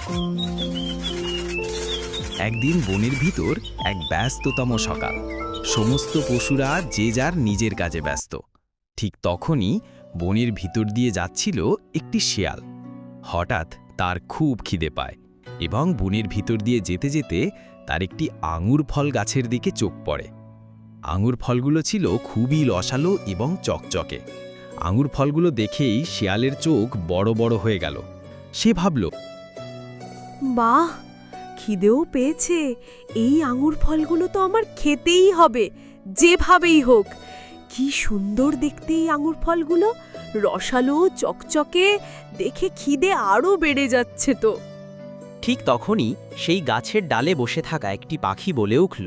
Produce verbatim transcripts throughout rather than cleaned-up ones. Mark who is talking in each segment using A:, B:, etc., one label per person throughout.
A: একদিন বনের ভিতর এক ব্যস্ততম সকাল। সমস্ত পশুরা যে যার নিজের কাজে ব্যস্ত। ঠিক তখনই বনের ভিতর দিয়ে যাচ্ছিল একটি শিয়াল। হঠাৎ তার খুব খিদে পায় এবং বনের ভিতর দিয়ে যেতে যেতে তার একটি আঙুর ফল গাছের দিকে চোখ পড়ে। আঙুর ফলগুলো ছিল খুবই রসালো এবং চকচকে। আঙুর ফলগুলো দেখেই শিয়ালের চোখ বড় বড় হয়ে গেল। সে ভাবল,
B: বাহ, খিদেও পেয়েছে, এই আঙুর ফলগুলো তো আমার খেতেই হবে, যেভাবেই হোক। কি সুন্দর দেখতে এই আঙুর ফলগুলো, রসালো চকচকে, দেখে খিদে আরও বেড়ে যাচ্ছে তো।
C: ঠিক তখনই সেই গাছের ডালে বসে থাকা একটি পাখি বলে উঠল,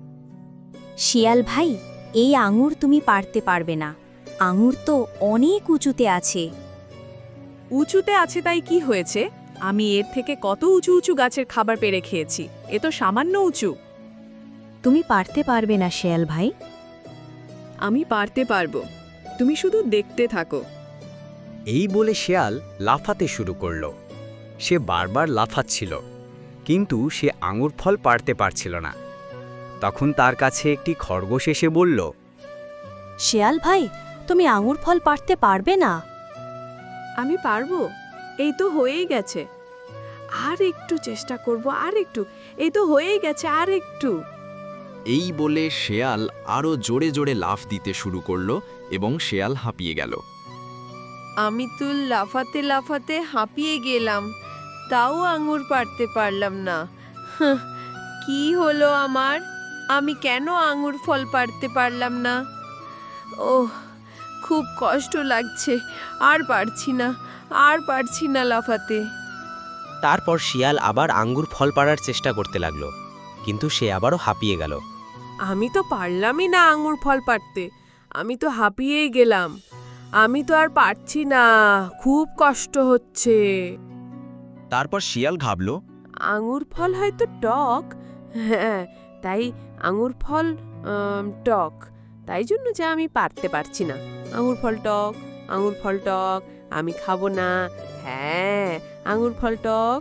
D: শিয়াল ভাই, এই আঙুর তুমি পারতে পারবে না, আঙুর তো অনেক উঁচুতে আছে।
B: উঁচুতে আছে তাই কি হয়েছে? আমি এর থেকে কত উঁচু উঁচু গাছের খাবার পেড়ে খেয়েছি, এ তো সামান্য উঁচু।
D: তুমি পারতে পারবে না শিয়াল ভাই।
B: আমি পারতে পারবো, তুমি শুধু দেখতে থাকো।
E: এই বলে শেয়াল লাফাতে শুরু করল। সে বারবার লাফাচ্ছিল, কিন্তু সে আঙুর ফল পারতে পারছিল না। তখন তার কাছে একটি খরগোশ এসে বলল,
D: শিয়াল ভাই, তুমি আঙুর ফল পারতে পারবে না?
B: আমি পারবো, এই তো হয়েই গেছে। আর একটু চেষ্টা করব, আর একটু, এই তো হয়েই গেছে, আর একটু।
F: এই বলে শেয়াল আরও জোরে জোরে লাফ দিতে শুরু করলো এবং শেয়াল হাঁপিয়ে গেল।
G: আমি তো লাফাতে লাফাতে হাঁপিয়ে গেলাম, তাও আঙুর পারতে পারলাম না। হাহ, কি হলো আমার? আমি কেন আঙুর ফল পারতে পারলাম না? ওহ, খুব কষ্ট লাগছে, আর পারছি না, আর পারছি না লাফাতে।
C: তারপর শিয়াল আবার আঙ্গুর ফল পাড়ার চেষ্টা করতে লাগলো, কিন্তু সে আবারও হাঁপিয়ে গেল।
B: আমি তো পারলামই না আঙুর ফল পারতে, আমি তো হাঁপিয়েই গেলাম, আমি তো আর পারছি না, খুব কষ্ট হচ্ছে।
F: তারপর শিয়াল ভাবল,
B: আঙুর ফল হয়তো টক, হ্যাঁ, তাই আঙুর ফল আম, টক, তাই জন্য যে আমি পারতে পারছি না। আঙুর ফল টক, আঙুর ফল টক, আমি খাবো না, হ্যাঁ, আঙুর ফল টক।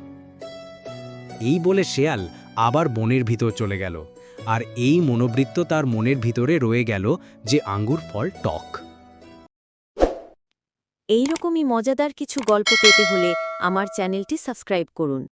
A: এই বলে শেয়াল আবার বনের ভিতর চলে গেল। আর এই মনোবৃত্ত তার মনের ভিতরে রয়ে গেল যে আঙ্গুর ফল টক।
D: এইরকমই মজাদার কিছু গল্প পেতে হলে আমার চ্যানেলটি সাবস্ক্রাইব করুন।